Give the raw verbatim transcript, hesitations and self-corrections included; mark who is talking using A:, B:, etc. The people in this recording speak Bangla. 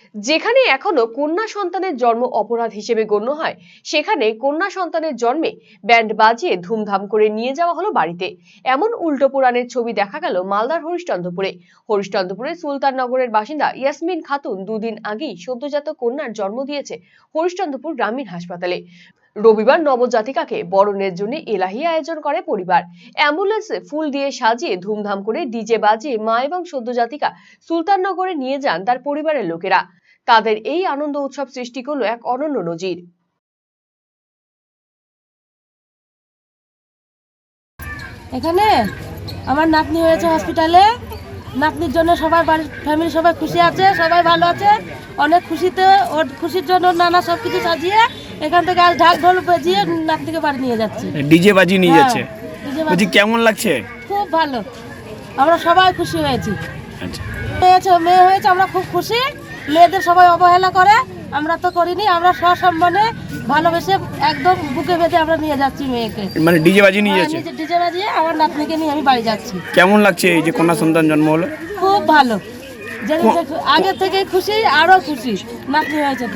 A: যেখানে এখনো কন্যা সন্তানের জন্ম অপরাধ হিসেবে গণ্য হয়, সেখানে কন্যা সন্তানের জন্মে ব্যান্ড বাজিয়ে ধুমধাম করে নিয়ে যাওয়া হলো বাড়িতে। এমন উল্টো পুরাণের ছবি দেখা গেল মালদার হরিশ্চন্দ্রপুরে। হরিশ্চন্দ্রপুরের সুলতাননগরের বাসিন্দা ইয়াসমিন খাতুন দুদিন আগেই সদ্যজাত কন্যার জন্ম দিয়েছে হরিশ্চন্দ্রপুর গ্রামীণ হাসপাতালে। রবিবার নবজাতিকাকে বরণের জন্য এলাহি আয়োজন করে পরিবার। অ্যাম্বুলেন্সে ফুল দিয়ে সাজিয়ে ধুমধাম করে ডিজে বাজিয়ে মা এবং সদ্যজাতিকা সুলতাননগরে নিয়ে যান তার পরিবারের লোকেরা। তাদের এই আনন্দ উৎসব সৃষ্টি করলো এক অনন্য নজির।
B: এখানে আমার নাতনি হয়েছে হসপিটালে। নাতনির জন্য সবাই বাড়ির ফ্যামিলি সবাই খুশি আছে, সবাই ভালো আছে, অনেক খুশিতে। ওর খুশির জন্য নানা সব কিছু সাজিয়ে এখান থেকে আজ ঢাক ঢোল বাজিয়ে নাতনিকে বাড়ি নিয়ে যাচ্ছে,
C: ডিজে বাজিয়ে নিয়ে যাচ্ছে।
B: বলছি
C: কেমন লাগছে?
B: খুব ভালো, আমরা সবাই খুশি হয়েছি।
C: আচ্ছা,
B: হয়েছে মেয়ে হয়েছে, আমরা খুব খুশি। মেয়েদের সবাই অবহেলা করে, আমরা তো করিনি। আমরা সসম্মানে ভালোবেসে একদম বুকে বেঁধে আমরা নিয়ে যাচ্ছি মেয়েকে।
C: মানে ডিজে বাজিয়ে নিয়ে যাচ্ছে?
B: ডিজে বাজিয়ে আমার নাতনিকে নিয়ে আমি বাড়ি যাচ্ছি।
C: কেমন লাগছে এই যে কন্যা সন্তান জন্ম হলো?
B: খুব ভালো, আগে থেকে খুশি, আরো খুশি নাতনি হয়েছে।